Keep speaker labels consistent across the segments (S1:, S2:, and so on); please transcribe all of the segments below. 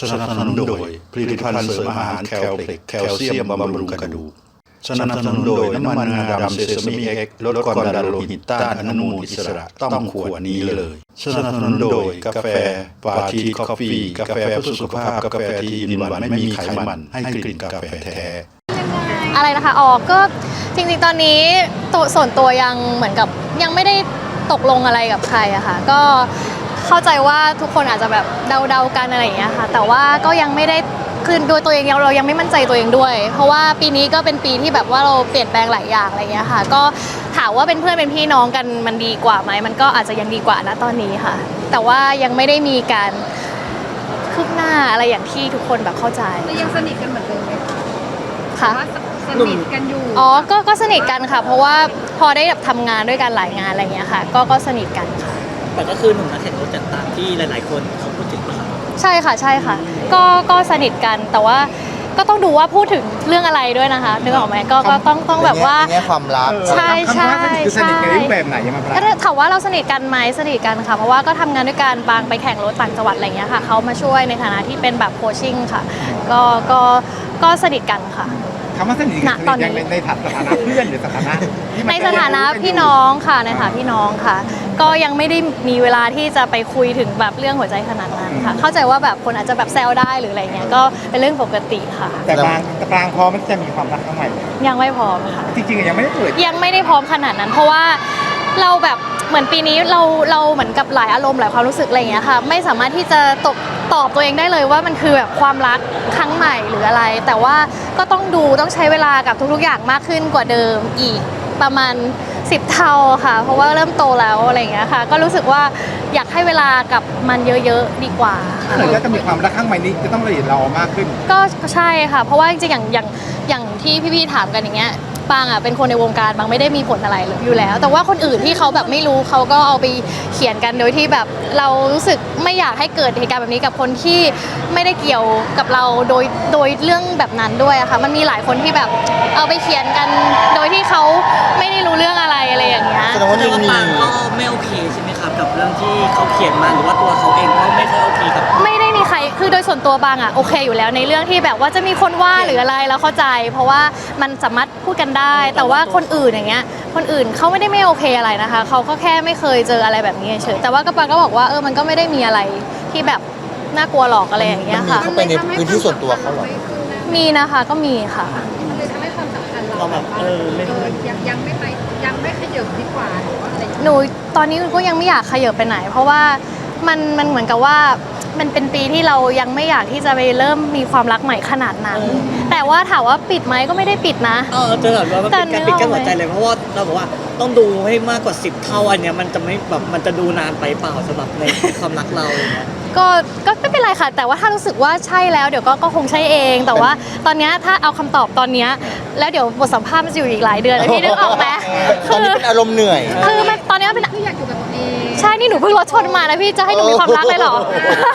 S1: สนับสนุนโดยผลิตภัณฑ์เสริมอาหารแคลเพล็กแคลเซียมบำรุงกระดูกสนับสนุนโดยน้ำมันงาดำเซซามิเอ็กซ์ลดความดันโลหิตต้านอนุมูลอิสระต้องขวดนี้เลยสนับสนุนโดยกาแฟฟาทีคอฟฟี่กาแฟเพื่อสุขภาพกาแฟที่อินวันไม่มีไขมันให้กลิ่นกาแฟแท้
S2: อะไรนะคะอ๋อก็จริงๆตอนนี้ส่วนตัวยังเหมือนกับยังไม่ได้ตกลงอะไรกับใครอะค่ะก็เข้าใจว่าทุกคนอาจจะแบบเดาๆกันอะไรอย่างเงี้ยค่ะแต่ว่าก็ยังไม่ได้คือโดยตัวเองเรายังไม่มั่นใจตัวเองด้วยเพราะว่าปีนี้ก็เป็นปีที่แบบว่าเราเปลี่ยนแปลงหลายอย่างอะไรอย่างเงี้ยค่ะก็ถามว่าเป็นเพื่อนเป็นพี่น้องกันมันดีกว่าไหมมันก็อาจจะยังดีกว่านะตอนนี้ค่ะแต่ว่ายังไม่ได้มีการคืบหน้าอะไรอย่างที่ทุกคนแบบเข้าใจ
S3: ยังสนิทกันเหมือนเดิมไหม
S2: คะ
S3: สนิทกันอยู่
S2: อ๋อก็สนิทกันค่ะเพราะว่าพอได้แบบทำงานด้วยกันหลายงานอะไรอย่างเงี้ยค่ะก็สนิทกันค่ะ
S4: แต่ก็คือหนุ่มนักแข่งรถจัดตามที่หลายๆคนเขาพูดถึงนะครับ
S2: ใช่ค่ะก็สนิทกันแต่ว่าก็ต้องดูว่าพูดถึงเรื่องอะไรด้วยนะคะนึกออกไหมก็ต้องแบบว่า
S5: แง่ความรัก
S2: ใช่
S5: คือสนิทในรูปแบบไหนยังไงบ้าง
S2: ถามว่าเราสนิทกันไหมสนิทกันค่ะเพราะว่าก็ทำงานด้วยกันบางไปแข่งรถต่างจังหวัดอะไรเงี้ยค่ะเขามาช่วยในฐานะที่เป็นแบบโคชชิ่งค่ะก็สนิทกันค่ะ
S5: คำว่าสนิทกันยังในฐานะเพื่อนหรือสถานะ
S2: ในสถานะพี่น้องค่ะในฐานะพี่น้องค่ะก็ยังไม่ได้มีเวลาที่จะไปคุยถึงแบบเรื่องหัวใจขนาดนั้นค่ะเข้าใจว่าแบบคนอาจจะแบบแซวได้หรืออะไรเงี้ยก็เป็นเรื่องปกติค่ะ
S5: แต่บางพอมันจะมีความรักครั้งใหม่
S2: ยังไม่พร้อมค่ะ
S5: จริงๆยังไม่ได้เปิด
S2: ยังไม่ได้พร้อมขนาดนั้นเพราะว่าเราแบบเหมือนปีนี้เราเหมือนกับหลายอารมณ์หลายความรู้สึกอะไรอย่างเงี้ยค่ะไม่สามารถที่จะตอบตัวเองได้เลยว่ามันคือแบบความรักครั้งใหม่หรืออะไรแต่ว่าก็ต้องใช้เวลากับทุกๆอย่างมากขึ้นกว่าเดิมอีกประมาณ10 เท่าค่ะเพราะว่าเริ่มโตแล้วอะไรอย่างเงี้ยค่ะก็รู้สึกว่าอยากให้เวลากับมันเยอะๆดีกว่า
S5: แล้วจะมีความรักครั้งใหม่นี้จะต้องละเอียดรอมากขึ้น
S2: ก็ใช่ค่ะเพราะว่าจริงๆอย่างที่พี่ๆถามกันอย่างเงี้ยปางอ่ะเป็นคนในวงการบางไม่ได้มีผลอะไรอยู่แล้วแต่ว่าคนอื่นที่เขาแบบไม่รู้เขาก็เอาไปเขียนกันโดยที่แบบเรารู้สึกไม่อยากให้เกิดเหตุการณ์แบบนี้กับคนที่ไม่ได้เกี่ยวกับเราโดยเรื่องแบบนั้นด้วยอะค่ะมันมีหลายคนที่แบบเอาไปเขียนกันโดยที่เขาไม่ได้รู้เรื่องอะไรอย่างเงี้ย
S4: แสดงว่าปางก็ไม่โอเคใช่ไหมครับกับเรื่องที่เขาเขียนมาหรือว่าตัวเขาเองก็ไม่ค่อยโอเคกับ
S2: ไม่ได้มีใครคือโดยส่วนตัวบางอ่ะโอเคอยู่แล้วในเรื่องที่แบบว่าจะมีคนว่าหรืออะไรแล้วเข้าใจเพราะว่ามันสามารถพูดกันได้แต่ว่าคนอื่นอย่างเงี้ยคนอื่นเขาไม่ได้ไม่โอเคอะไรนะคะเขาก็แค่ไม่เคยเจออะไรแบบนี้เฉยแต่ว่าปางก็บอกว่ามันก็ไม่ได้มีอะไรที่แบบน่ากลัวหรอกอะไรอย่างเงี้ยค่ะ
S5: เขาไปในพื้นที่ส่วนตัวเขาหรอ
S2: มีนะคะก็มีค่ะ
S3: มันเลยทำให้ความสัมพันธ์
S4: เราแบบ
S3: ยังไม่ขยับดีกว่าหรือว่าอะไร
S2: หนูตอนนี้ก็ยังไม่อยากขยับไปไหนเพราะว่ามันเหมือนกับว่ามันเป็นปีที่เรายังไม่อยากที่จะไปเริ่มมีความรักใหม่ขนาดนั้นแต่ว่าถามว่าปิดไหมก็ไม่ได้ปิดนะ
S4: จะถามว่ามันเป็นการปิดกั้นหัวใจเลยเพราะว่าเราบอกว่าต้องดูให้มากกว่า10 เท่าอันเนี้ยมันจะไม่แบบมันจะดูนานไปเปล่าสำหรับในความรักเรา
S2: ก็ไม่เป็นไรค่ะแต่ว่าถ้ารู้สึกว่าใช่แล้วเดี๋ยวก็คงใช่เองแต่ว่าตอนนี้ถ้าเอาคำตอบตอนนี้แล้วเดี๋ยวบทสัมภาษณ์มันจะอยู่อีกหลายเดือนพี่นึกออกไหม
S5: ตอนนี้เป็นอารมณ์เหนื่อย
S2: คือมันตอนนี้เป็น
S3: ที่อยากอยู่กับตัวเอง
S2: ใช่นี่หนูเพิ่งรถชนมานะพี่จะให้หนูมีความรักเลยเหรอ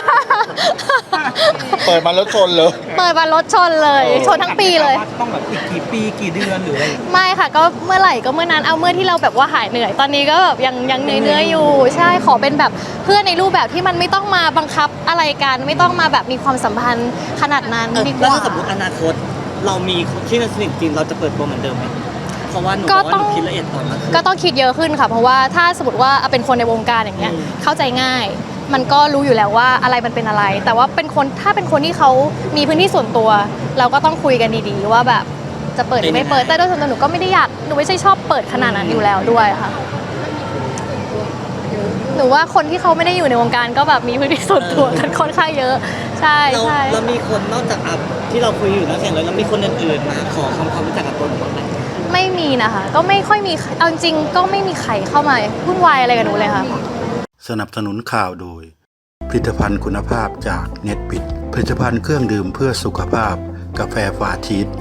S5: เปิดมารถชนเลย
S2: เปิดมารถชนเลยชนทั้งปีเลย
S4: ต้องแบบอีกกี่ปีกี่เดือนหรืออะไร
S2: ไม่ค่ะก็เมื่อไหร่ก็เมื่อนั้นเอาเมื่อที่เราแบบว่าหายเหนื่อยตอนนี้ก็แบบยังเหนื่อยอยู่ใช่ขอเป็นแบบเพื่อนในรูปแบบที่มันไม่ต้องมาบังคับอะไรกันไม่ต้องมาแบบมีความสัมพันธ์ขนาดนั้นดีกว่า
S4: แล้วถ้าสมมติอนาคตเรามีที่สนิทจริงเราจะเปิดตัวเหมือนเดิมไหมเพราะว่าหนูคิดละเอียดตอนนั้น
S2: ก็ต้องคิดเยอะขึ้นค่ะเพราะว่าถ้าสมมติว่าเป็นคนในวงการอย่างเงี้ยเข้าใจง่ายมันก็รู้อยู่แล้วว่าอะไรมันเป็นอะไรแต่ว่าถ้าเป็นคนที่เขามีพื้นที่ส่วนตัวเราก็ต้องคุยกันดีๆว่าแบบจะเปิดหรือไม่เปิดแต่โดยส่วนตัวหนูก็ไม่ได้อยากหนูไม่ใช่ชอบเปิดขนาดนั้นอยู่แล้วด้วยค่ะหนูว่าคนที่เขาไม่ได้อยู่ในวงการก็แบบมีพื้นที่ส่วนตัวกันค่อนข้างเยอะใช่
S4: เรามีคนนอกจากที่เราคุยอยู่นักแข่งแล้วมีคนอื่นๆมาขอความรู้จักกับตัวหนูบ้างไหม
S2: ไม่มีนะคะก็ไม่ค่อยมีเอาจริงก็ไม่มีใครเข้ามาวุ่นวายอะไรกับหนูเลยค่ะ
S1: สนับสนุนข่าวโดยผลิตภัณฑ์คุณภาพจากเน็ตบิดผลิตภัณฑ์เครื่องดื่มเพื่อสุขภาพกาแฟฟาทีส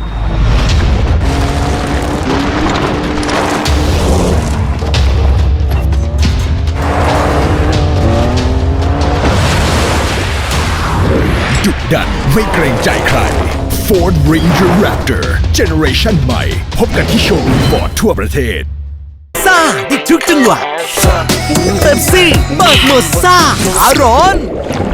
S6: ดุดันไม่เกรงใจใคร Ford Ranger Raptor Generation ใหม่พบกันที่โชว์รูมฟอร์ดทั่วประเทศ
S7: ซ่าติดทุกจังหวะเป๊ปซี่เปิดโหมดซ่าอารอน